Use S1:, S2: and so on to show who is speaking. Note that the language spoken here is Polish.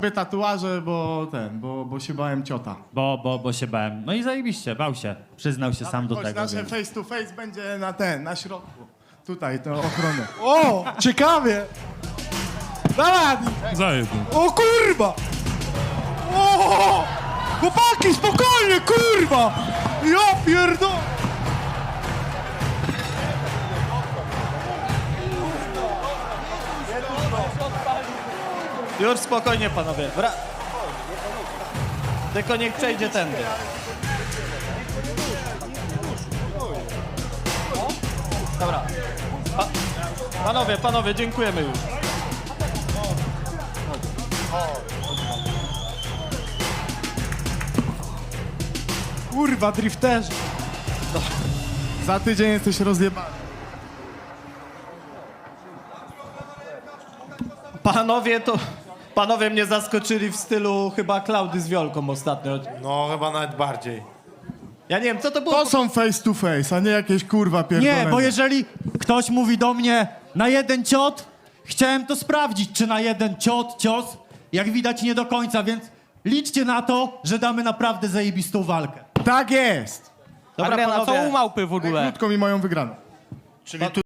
S1: tatuaże, bo się bałem ciota.
S2: Bo się bałem. No i zajebiście, bał się. Przyznał się sam do
S1: Chodź,
S2: tego.
S1: nasze
S2: Więc...
S1: face to face będzie na środku. Tutaj, to ochronę.
S3: O, ciekawie! Dawaj!
S4: Zajebł.
S3: O kurwa! O! Chłopaki, spokojnie, kurwa! Ja pierdolę!
S5: Już spokojnie, panowie. Tylko niech przejdzie tędy. Dobra. Panowie, dziękujemy już.
S3: Kurwa, drifterzy!
S1: Za tydzień jesteś rozjebany.
S5: Panowie mnie zaskoczyli w stylu chyba Klaudy z Wiolką ostatnio.
S6: No, chyba nawet bardziej.
S5: Ja nie wiem, co to było.
S1: To są face to face, a nie jakieś kurwa pierdolone.
S2: Nie, bo jeżeli ktoś mówi do mnie na jeden ciot, chciałem to sprawdzić, czy na jeden cios, jak widać nie do końca, więc liczcie na to, że damy naprawdę zajebistą walkę.
S1: Tak jest!
S5: Dobra,
S7: Adrian, a co
S5: panowie.
S7: u małpy w ogóle?
S1: Krótko mi moją wygraną.
S6: Czyli tu